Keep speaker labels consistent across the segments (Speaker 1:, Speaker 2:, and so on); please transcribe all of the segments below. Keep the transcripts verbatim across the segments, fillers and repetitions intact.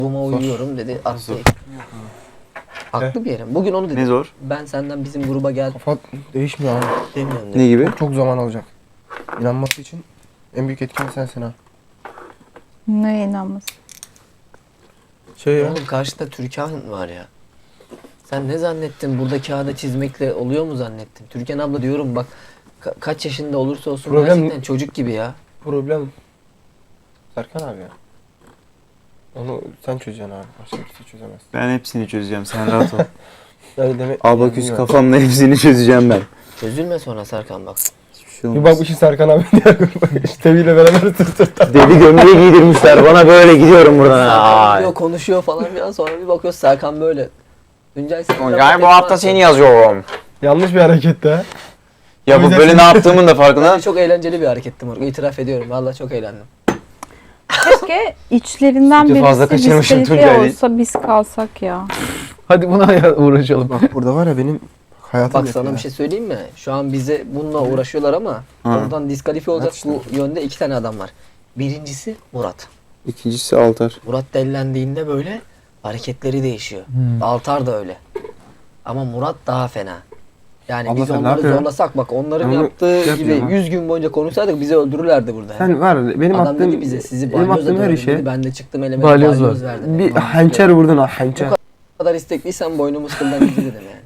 Speaker 1: Buma uyuyorum dedi. Attı. Haklı bir yerim. Bugün onu dedim.
Speaker 2: Ne zor?
Speaker 1: Ben senden bizim gruba gel
Speaker 3: Kafa değişmiyor abi.
Speaker 1: demiyorum
Speaker 2: Ne
Speaker 1: dedim.
Speaker 2: gibi?
Speaker 3: Çok, çok zaman alacak. İnanması için en büyük etken sensin ha.
Speaker 4: Neye inanmasın?
Speaker 3: Şey ya.
Speaker 1: Oğlum karşıda Türkan var ya. Sen ne zannettin? Burada kağıda çizmekle oluyor mu zannettin? Türkan abla diyorum bak ka- kaç yaşında olursa olsun
Speaker 3: Problem-
Speaker 1: gerçekten çocuk gibi ya.
Speaker 3: Problem Serkan abi ya. Onu sen çözeceksin abi. Başka birisi çözemez.
Speaker 2: Ben hepsini çözeceğim, sen rahat ol.
Speaker 3: Öyle demek.
Speaker 2: Abaküs
Speaker 3: bilmiyorum.
Speaker 2: kafamla hepsini çözeceğim ben.
Speaker 1: Çözülme sonra Serkan bak.
Speaker 2: Hiçbir şey
Speaker 3: Bir
Speaker 2: olmaz.
Speaker 3: bakmışsın Serkan abi diye. İşte biriyle beraber sırt sırta.
Speaker 2: Deli gömleği giydirmişler bana, böyle gidiyorum buradan.
Speaker 1: Serkan
Speaker 2: Ay.
Speaker 1: diyor konuşuyor falan filan sonra bir bakıyoruz Serkan böyle. Tuncay sen
Speaker 2: Tuncay bu hafta seni yazıyorum.
Speaker 3: Yanlış bir hareket de.
Speaker 2: Ya bu böyle ne yaptığımın da farkında.
Speaker 1: Bence çok eğlenceli bir hareketti Moruk. İtiraf ediyorum. Vallahi çok eğlendim.
Speaker 4: Keşke içlerinden
Speaker 2: Bir de fazla
Speaker 4: birisi
Speaker 2: kaçırmışım
Speaker 4: diskalifiye
Speaker 2: Tuncay'ı.
Speaker 4: olsa biz kalsak ya.
Speaker 5: Hadi buna uğraşalım.
Speaker 3: Bak burada var ya benim hayatım
Speaker 1: Bak
Speaker 3: yapıyor
Speaker 1: sana
Speaker 3: ya.
Speaker 1: bir şey söyleyeyim mi? Şu an bize bununla uğraşıyorlar ama
Speaker 2: Ha.
Speaker 1: oradan diskalifiye olacak
Speaker 3: Evet
Speaker 1: bu yönde iki tane adam var. Birincisi Murat.
Speaker 2: İkincisi Altar.
Speaker 1: Murat dellendiğinde böyle hareketleri değişiyor.
Speaker 5: Hmm.
Speaker 1: Altar da öyle. Ama Murat daha fena. Yani
Speaker 3: Abla
Speaker 1: biz
Speaker 3: sen ne
Speaker 1: onları
Speaker 3: yapıyorsun?
Speaker 1: zorlasak bak onların
Speaker 3: Ben bunu
Speaker 1: yaptığı
Speaker 3: şey
Speaker 1: gibi
Speaker 3: yapıyorum ha.
Speaker 1: yüz gün boyunca konuşsaydık bizi öldürürlerdi burada.
Speaker 3: Sen var benim
Speaker 1: Adam
Speaker 3: attığım
Speaker 1: dedi bize sizi
Speaker 3: benim
Speaker 1: balyozla
Speaker 3: attığım her
Speaker 1: dövdüm
Speaker 3: işe
Speaker 1: dedi. Ben de çıktım elime
Speaker 5: Balyoz
Speaker 1: balyoz,
Speaker 5: var.
Speaker 1: verdim.
Speaker 3: bir
Speaker 1: dedi.
Speaker 3: hançer vurdun ha hançer.
Speaker 1: Bu kadar istekliysen boynumuz kıldan ince dedim yani.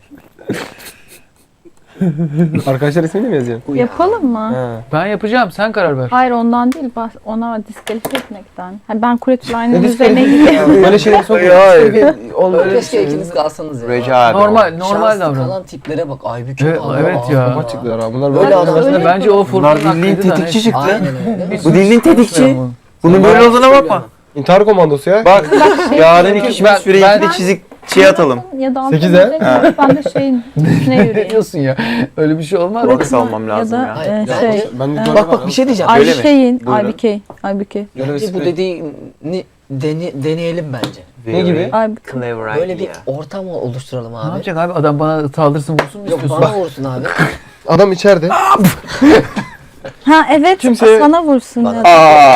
Speaker 3: Arkadaşlar ismini mi yazıyorsun?
Speaker 4: Yapalım mı?
Speaker 3: Ha.
Speaker 5: Ben yapacağım, sen karar ver.
Speaker 4: Hayır ondan değil, bah- ona diskalifiye etmekten. Ha, ben Kuretülay'ın
Speaker 3: Ne
Speaker 4: üzerine
Speaker 3: diskalifiye?
Speaker 4: gidiyorum.
Speaker 3: Böyle şeyler sokuyor.
Speaker 2: Olmuyor.
Speaker 1: Keşke ikiniz kalsanız ya.
Speaker 2: Recep.
Speaker 5: Normal, normal
Speaker 1: Şanslı
Speaker 5: davran.
Speaker 1: kalan tiplere bak. Aybüke
Speaker 5: Evet,
Speaker 1: Allah
Speaker 5: evet
Speaker 1: Allah.
Speaker 5: ya.
Speaker 3: Kafa çıktılar ha. Bunlar
Speaker 1: Öyle
Speaker 3: böyle
Speaker 1: adam-
Speaker 3: adamlar.
Speaker 4: Öyle
Speaker 5: Bence o
Speaker 2: Bunlar
Speaker 5: fırtına
Speaker 2: bildiğin
Speaker 5: hakkıydı da
Speaker 2: tetikçi
Speaker 5: neyse.
Speaker 2: çıktı.
Speaker 1: Aynen öyle.
Speaker 2: Bu dilin tetikçi. Bunun böyle olduğuna bakma.
Speaker 3: İntihar komandosu ya.
Speaker 2: Bak yarın
Speaker 4: şey-
Speaker 2: iki
Speaker 5: Ben-
Speaker 2: süre
Speaker 5: ben-
Speaker 2: ikide çizik şey atalım.
Speaker 4: Ya da
Speaker 3: Sekize.
Speaker 4: altına ben de şeyin üstüne
Speaker 5: Ne
Speaker 4: yürüyeyim.
Speaker 5: diyorsun ya? Öyle bir şey olmaz.
Speaker 2: Kulak salmam lazım
Speaker 4: ya.
Speaker 2: ya.
Speaker 4: Da,
Speaker 1: Hayır,
Speaker 4: e,
Speaker 1: bence-
Speaker 4: şey,
Speaker 3: Ben de
Speaker 4: Ee,
Speaker 3: böyle
Speaker 1: Bak bak bir şey diyeceğim.
Speaker 2: Öyle mi?
Speaker 4: Ayşe'in,
Speaker 2: Buyurun.
Speaker 4: Aybike, Aybike.
Speaker 1: Bence bu dediğini dene, deneyelim bence.
Speaker 3: Ne gibi?
Speaker 4: Aybike.
Speaker 2: Clever
Speaker 1: Böyle bir
Speaker 2: idea.
Speaker 1: ortam oluşturalım
Speaker 5: Ne
Speaker 1: abi.
Speaker 5: yapacak abi? Adam bana saldırsın vursun mu
Speaker 1: Yok
Speaker 5: istiyorsun?
Speaker 1: bana vursun abi.
Speaker 3: Adam içeride.
Speaker 4: Ha evet,
Speaker 3: Kimseye-
Speaker 4: sana vursun
Speaker 1: Bana-
Speaker 4: ya.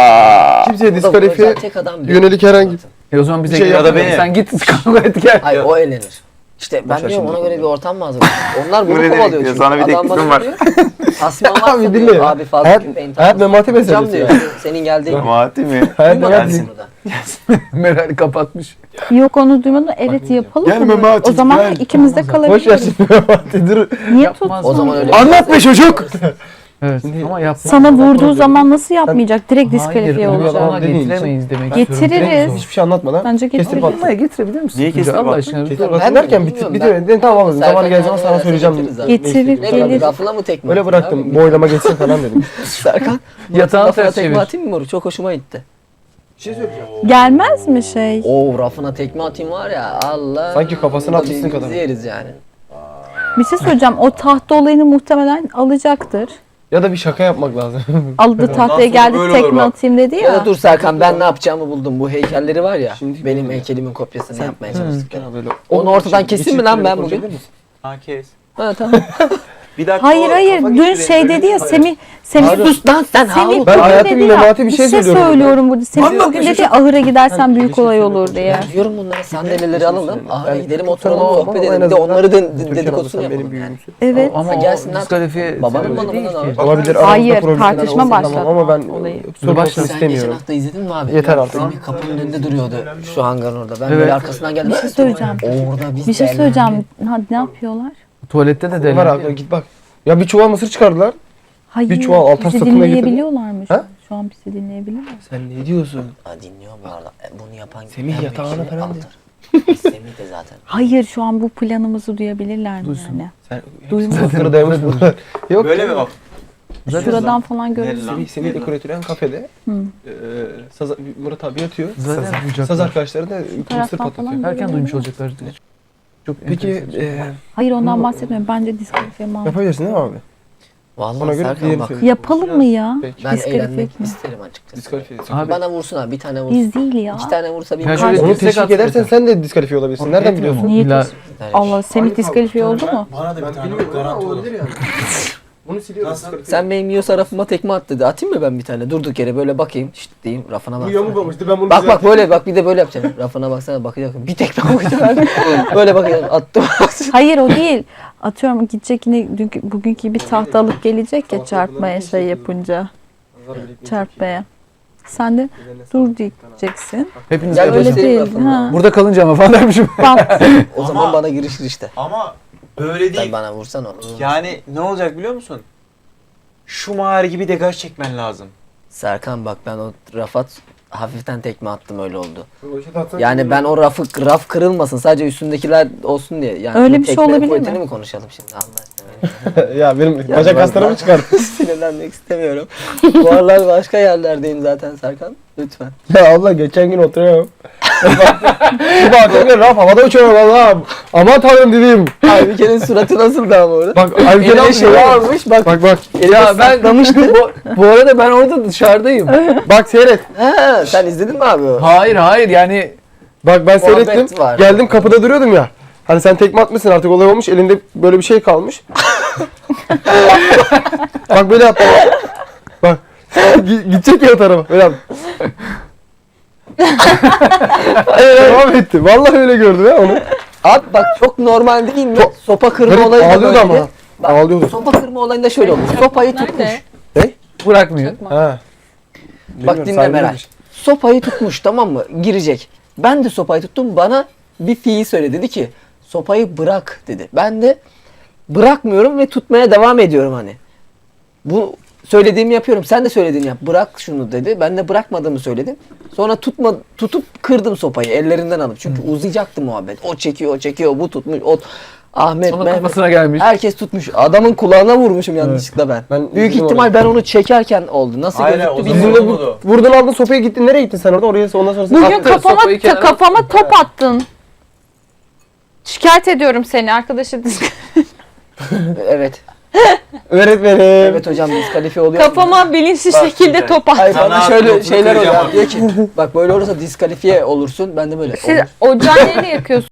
Speaker 2: Aa.
Speaker 3: Kimseye diskalifiye
Speaker 1: Tek adam bir-
Speaker 3: yönelik herhangi
Speaker 5: E o zaman bize
Speaker 3: Bir şey
Speaker 5: gel.
Speaker 2: ya da beni.
Speaker 5: Sen git kavga et gel.
Speaker 1: Hayır o eğlenir. İşte ben
Speaker 3: Boş ver
Speaker 1: diyorum
Speaker 3: şimdi.
Speaker 1: ona göre bir ortam mı hazırlayalım? Onlar
Speaker 2: Bu
Speaker 1: bunu
Speaker 2: ne demek
Speaker 1: kovalıyor
Speaker 2: ya?
Speaker 1: çünkü.
Speaker 2: Sana bir
Speaker 1: Adam
Speaker 2: teklifim
Speaker 1: bana
Speaker 2: var.
Speaker 1: diyor, Tasman varsa
Speaker 3: Abi
Speaker 1: diyor,
Speaker 3: dinle ya.
Speaker 1: abi fazla
Speaker 3: Hayat-
Speaker 1: gitmeyin.
Speaker 3: hayat
Speaker 1: tamam,
Speaker 3: memati
Speaker 1: yapacağım
Speaker 3: meselesi
Speaker 1: diyor. Senin geldiğin
Speaker 2: Memati mi?
Speaker 3: hayat
Speaker 1: Duymadın
Speaker 3: hayat
Speaker 1: mı
Speaker 2: Gelsin.
Speaker 1: burada?
Speaker 5: Meral kapatmış.
Speaker 4: Yok onu duymadım. Evet yapalım
Speaker 3: Gelme
Speaker 4: mı?
Speaker 3: Mati,
Speaker 4: O zaman
Speaker 3: gel.
Speaker 4: ikimiz de
Speaker 3: Boş ver
Speaker 4: kalabiliriz.
Speaker 3: şimdi Memati dur.
Speaker 4: Niye tut?
Speaker 5: Yapmaz.
Speaker 1: O zaman öyle.
Speaker 3: Anlat be çocuk.
Speaker 5: Evet
Speaker 3: Şimdi-
Speaker 5: ama yapmaz.
Speaker 4: Sana vurduğu zaman nasıl yapmayacak? Direkt
Speaker 5: Hayır,
Speaker 4: diskalifiye
Speaker 5: öyle
Speaker 4: olacak.
Speaker 5: ona
Speaker 3: Dediğin
Speaker 5: getiremeyiz demek
Speaker 4: Getiririz.
Speaker 5: istiyorum.
Speaker 3: Direkt Hiçbir şey anlatmadan.
Speaker 4: Bence
Speaker 3: Kestirip
Speaker 4: getiririz.
Speaker 3: at.
Speaker 5: Buraya getirebilir misin?
Speaker 2: Niye kestirip
Speaker 5: Allah
Speaker 2: attın?
Speaker 5: aşkına.
Speaker 3: Getir
Speaker 5: lütfen.
Speaker 3: bak.
Speaker 1: Ben
Speaker 3: derken
Speaker 1: bilmiyorum,
Speaker 3: bitti.
Speaker 1: ben-
Speaker 3: Bitti. Tamam abi.
Speaker 1: Serkan
Speaker 3: Zamanı geldiği zaman
Speaker 1: yani
Speaker 3: sana
Speaker 1: verse
Speaker 3: söyleyeceğim.
Speaker 1: getiririz abi.
Speaker 4: Getirir,
Speaker 3: Neyse,
Speaker 1: Ne bileyim
Speaker 4: gelir.
Speaker 1: rafına mı tekme
Speaker 3: Öyle
Speaker 1: atayım
Speaker 3: bıraktım.
Speaker 1: abi?
Speaker 3: Boylama geçsin falan dedim.
Speaker 1: Serkan.
Speaker 5: Yatağını
Speaker 1: rafına
Speaker 5: ters
Speaker 1: tekme
Speaker 5: çevir.
Speaker 1: atayım mı Moruk? Çok hoşuma gitti.
Speaker 3: Bir şey söyleyeceğim.
Speaker 4: Gelmez mi şey?
Speaker 1: Oo rafına tekme atayım var ya Allah.
Speaker 3: Sanki kafasına
Speaker 1: Burada
Speaker 3: atmışsın
Speaker 1: birbirimizi
Speaker 3: kadar.
Speaker 1: yeriz yani.
Speaker 4: Bir şey söyleyeceğim. O tahta olayını muhtemelen alacaktır.
Speaker 3: Ya da bir şaka yapmak lazım.
Speaker 4: Aldı tahtaya
Speaker 2: sonra
Speaker 4: geldi
Speaker 2: böyle olur
Speaker 4: tekme
Speaker 2: bak.
Speaker 4: atayım dedi
Speaker 1: Ya
Speaker 4: ya.
Speaker 1: da dur Serkan ben ne yapacağımı buldum. Bu heykelleri var ya.
Speaker 3: Şimdi
Speaker 1: benim
Speaker 3: böyle.
Speaker 1: heykelimin kopyasını yapmaya çalıştık. ya.
Speaker 3: Böyle-
Speaker 1: Onu ortadan keseyim mi lan ben bugün?
Speaker 3: Konuşabilir misin?
Speaker 2: Ha kes.
Speaker 1: Ha tamam.
Speaker 2: Bir dakika.
Speaker 4: Hayır
Speaker 2: o
Speaker 4: hayır.
Speaker 2: kafa
Speaker 4: Dün
Speaker 2: gitti,
Speaker 4: şey
Speaker 2: öyle
Speaker 4: dedi ya
Speaker 2: bir-
Speaker 4: Semih. Semih
Speaker 1: Sus lan sen
Speaker 4: Semih
Speaker 1: Harun.
Speaker 3: Ben
Speaker 4: bugün
Speaker 3: hayatımın
Speaker 4: dedi ya,
Speaker 3: memati bir şey söylüyorum
Speaker 4: söylüyorum burada. Semih
Speaker 2: Anlat
Speaker 4: bugün
Speaker 2: bir
Speaker 4: dedi
Speaker 2: şey.
Speaker 4: ya ahıra gidersen büyük
Speaker 3: şey
Speaker 4: olay olur diye.
Speaker 1: Ben diyorum bunlara sandalyeleri alalım. Ahıra
Speaker 3: Ben
Speaker 1: gidelim
Speaker 3: çok
Speaker 1: oturalım
Speaker 3: tanımam
Speaker 1: sohbet
Speaker 3: ama en
Speaker 1: edelim. Bir de
Speaker 3: azından
Speaker 1: onları da
Speaker 3: Türkan
Speaker 1: dedikodusunu
Speaker 3: abla sen
Speaker 1: yapalım
Speaker 3: benim
Speaker 1: yani.
Speaker 3: büyüğümsün.
Speaker 4: Evet.
Speaker 5: Ama o
Speaker 1: gelsin lan.
Speaker 5: diskalifiye
Speaker 1: Babanın
Speaker 5: sebebi
Speaker 1: bana
Speaker 5: değil
Speaker 1: bundan
Speaker 5: ki.
Speaker 1: abi.
Speaker 3: Olabilir. aramızda
Speaker 4: Hayır,
Speaker 3: problem
Speaker 4: tartışma
Speaker 3: olsun,
Speaker 4: başlatma
Speaker 3: tamam, ama ben
Speaker 4: olayı.
Speaker 3: sorun
Speaker 5: Başla.
Speaker 3: olsun
Speaker 1: Sen geçen
Speaker 3: istemiyorum.
Speaker 1: hafta izledin mi abi?
Speaker 3: Yeter artık.
Speaker 1: Semih kapının önünde duruyordu şu hangarın orada. Ben
Speaker 5: Evet.
Speaker 1: böyle arkasından geldim.
Speaker 4: Bir şey söyleyeceğim.
Speaker 1: Orada biz
Speaker 4: Bir şey
Speaker 1: de-
Speaker 4: söyleyeceğim. Hadi ne yapıyorlar?
Speaker 5: Tuvalette de
Speaker 3: Var
Speaker 5: deli.
Speaker 3: abi git bak. Ya bir çuval mısır çıkardılar.
Speaker 4: Hayır.
Speaker 3: Bir çuval altan
Speaker 4: bizi
Speaker 3: satına getirdi.
Speaker 4: dinleyebiliyorlar mı şu
Speaker 3: Ha?
Speaker 4: an? Şu an bizi dinleyebiliyorlar.
Speaker 3: Sen ne diyorsun?
Speaker 1: Ha, dinliyor bu arada. E, bunu yapan
Speaker 3: Semih
Speaker 1: en büyük
Speaker 3: yatağına
Speaker 1: şey
Speaker 3: falan
Speaker 1: Altar. Semih de zaten.
Speaker 4: Hayır şu an bu planımızı duyabilirler mi
Speaker 5: Duysun.
Speaker 4: yani?
Speaker 3: Sen
Speaker 4: Duyma.
Speaker 3: Satırı dayamış bunlar. Yok.
Speaker 2: Böyle mi bak?
Speaker 4: Şuradan falan görürüz.
Speaker 2: Nerede lan?
Speaker 3: Semih, Semih dekoratörün kafede.
Speaker 4: Hı.
Speaker 3: Eee Saz, Murat abi yatıyor.
Speaker 5: Zaten
Speaker 3: Saz,
Speaker 5: duyacaklar.
Speaker 3: Saz arkadaşları da mısır
Speaker 4: taraftan
Speaker 3: patlatıyor.
Speaker 4: falan
Speaker 5: Erken duymuş olacaklar. Çok
Speaker 3: Peki
Speaker 5: enteresan.
Speaker 3: eee
Speaker 4: Hayır ondan bahsetmiyorum. Bence diskalifiye mal.
Speaker 3: yapabilirsin değil mi abi?
Speaker 1: Vallahi
Speaker 3: Ona göre
Speaker 1: Serkan
Speaker 3: diğerini
Speaker 1: bak.
Speaker 3: söyle.
Speaker 4: Yapalım mı ya?
Speaker 3: Peki.
Speaker 1: Ben
Speaker 4: Diskalifiye
Speaker 1: eğlenmek
Speaker 4: etme.
Speaker 1: isterim açıkçası.
Speaker 3: Diskalifiye.
Speaker 5: Abi-
Speaker 1: Bana vursun abi bir tane vursun.
Speaker 4: Biz değil ya.
Speaker 1: İki tane vursa bir
Speaker 5: Ya
Speaker 1: bir-
Speaker 5: şöyle-
Speaker 3: Onu
Speaker 5: Destek
Speaker 3: teşvik
Speaker 5: at
Speaker 3: edersen
Speaker 5: zaten.
Speaker 3: sen de diskalifiye olabilirsin. Nereden biliyorsun?
Speaker 4: Niye
Speaker 5: İlla-
Speaker 4: diyorsun? Allah Semih diskalifiye oldu mu?
Speaker 6: Bana da bir tane garanti oldu.
Speaker 3: yani. Bunu siliyoruz.
Speaker 2: Nasıl?
Speaker 1: Sen benim yiyorsa rafıma tekme at dedi. Atayım mı ben bir tane? Durduk yere böyle bakayım. Şşt diyeyim rafına
Speaker 3: Bu
Speaker 1: bak.
Speaker 3: yamuk olmuştu ben bunu
Speaker 1: Bak bak böyle bak bir de böyle yapacağım. Rafına baksana bakacak. Bir tekme koyacağım. Böyle bakacağım. Attım.
Speaker 4: Hayır o değil. Atıyorum gidecek yine dünkü, bugünkü gibi tahta alıp gelecek ya çarpmaya şey yapınca. Çarpmaya. Sen de dur diyeceksin.
Speaker 5: Hepiniz
Speaker 1: Gel
Speaker 5: öyle
Speaker 4: Öyle
Speaker 1: göstereyim
Speaker 4: değil.
Speaker 1: rafını.
Speaker 4: Ha.
Speaker 5: Burada kalınca ama falan dermişim.
Speaker 4: Bak,
Speaker 1: O zaman
Speaker 2: Ama-
Speaker 1: bana girişir işte.
Speaker 2: Ama böyle
Speaker 1: Sen
Speaker 2: değil.
Speaker 1: bana vursan onu.
Speaker 2: Yani ne olacak biliyor musun? Şu mağara gibi degaj çekmen lazım.
Speaker 1: Serkan bak ben o rafa hafiften tekme attım öyle oldu. Yani ben o rafı raf kırılmasın sadece üstündekiler olsun diye. Yani
Speaker 4: Öyle
Speaker 1: bu
Speaker 4: bir şey
Speaker 1: tekme
Speaker 4: olabilir
Speaker 1: kuvvetini
Speaker 4: mi?
Speaker 1: mi konuşalım şimdi Allah aşkına.
Speaker 3: Ya benim
Speaker 1: Ya
Speaker 3: bacak
Speaker 1: ben-
Speaker 3: kaslarımı çıkarttı.
Speaker 1: Sinirlenmek istemiyorum. Bu aralar başka yerlerdeyim zaten Serkan. Lütfen.
Speaker 3: Ya abla geçen gün oturuyorum. Bir baktım raf havada uçuyor valla. Aman tanrım dedim.
Speaker 1: Aybüke'nin suratı nasıldı ama orada?
Speaker 3: Bak Aybüke
Speaker 1: Eline
Speaker 3: ne
Speaker 1: şey
Speaker 3: yapıyor?
Speaker 1: varmış bak.
Speaker 3: Bak bak.
Speaker 1: Ya ben
Speaker 5: bu, bu arada ben orada dışarıdayım.
Speaker 3: Bak seyret.
Speaker 1: Ha, sen izledin mi abi? o?
Speaker 5: Hayır hayır yani
Speaker 3: Bak ben
Speaker 1: Muhabbet
Speaker 3: seyrettim.
Speaker 1: var.
Speaker 3: Geldim kapıda duruyordum ya. Hani sen tekme atmışsın artık olay olmuş. Elinde böyle bir şey kalmış. Bak böyle yaptı. Bak. Gi- Gidecek ya o tarafa. Böyle yaptı. Devam etti. Vallahi öyle gördüm ya onu.
Speaker 1: Abi bak çok normal değil mi? Sopa kırma
Speaker 3: Garip
Speaker 1: olayı da
Speaker 3: ağlıyordu
Speaker 1: böyleydi.
Speaker 3: ama.
Speaker 1: Bak,
Speaker 3: Ağlıyordu.
Speaker 1: Sopa kırma olayında şöyle olmuş. Sopayı tutmuş.
Speaker 5: bırakmıyor.
Speaker 3: Ha.
Speaker 1: Bak
Speaker 3: Bilmiyorum,
Speaker 1: dinle
Speaker 3: sen
Speaker 1: Meral.
Speaker 3: bilirsin.
Speaker 1: Sopayı tutmuş tamam mı? Girecek. Ben de sopayı tuttum. Bana bir fiil söyledi. Dedi ki sopayı bırak dedi. Ben de bırakmıyorum ve tutmaya devam ediyorum hani. Bu söylediğimi yapıyorum. Sen de söylediğini yap. Bırak şunu dedi. Ben de bırakmadığımı söyledim. Sonra tutma tutup kırdım sopayı ellerinden alıp. Çünkü uzayacaktı muhabbet. O çekiyor, o çekiyor, bu tutmuş. O Ahmet,
Speaker 5: Sonra
Speaker 1: Mehmet.
Speaker 5: kafasına gelmiş.
Speaker 1: Herkes tutmuş. Adamın kulağına vurmuşum yanlışlıkla ben.
Speaker 3: Ben
Speaker 1: Büyük
Speaker 3: üzüldüm
Speaker 1: ihtimal
Speaker 3: oraya.
Speaker 1: ben onu çekerken oldu. Nasıl
Speaker 2: Hayır,
Speaker 1: gözüktü
Speaker 2: o zaman
Speaker 1: bilmiyorum.
Speaker 3: Bizimle
Speaker 2: olmadı.
Speaker 3: bu, vurdun aldın sopaya gittin. Nereye gittin sen orada? Oraya ondan sonra
Speaker 4: bugün
Speaker 5: Attı,
Speaker 4: kafama
Speaker 5: sopayı kenara-
Speaker 4: kafama top attın. Şikayet ediyorum seni arkadaşı.
Speaker 1: Evet.
Speaker 3: öğretmenim.
Speaker 1: Evet hocam diskalifiye oluyor.
Speaker 4: Kafama bilinçli
Speaker 2: Bak
Speaker 4: şekilde
Speaker 2: şimdi.
Speaker 4: top attın.
Speaker 1: Hayır bana
Speaker 2: Sana
Speaker 1: şöyle
Speaker 2: notunu
Speaker 1: şeyler oluyor.
Speaker 2: kıracağım
Speaker 1: Diyor ki bak böyle olursa diskalifiye olursun. Ben de böyle.
Speaker 4: Siz
Speaker 1: olur.
Speaker 4: ocağı neyle yakıyorsunuz?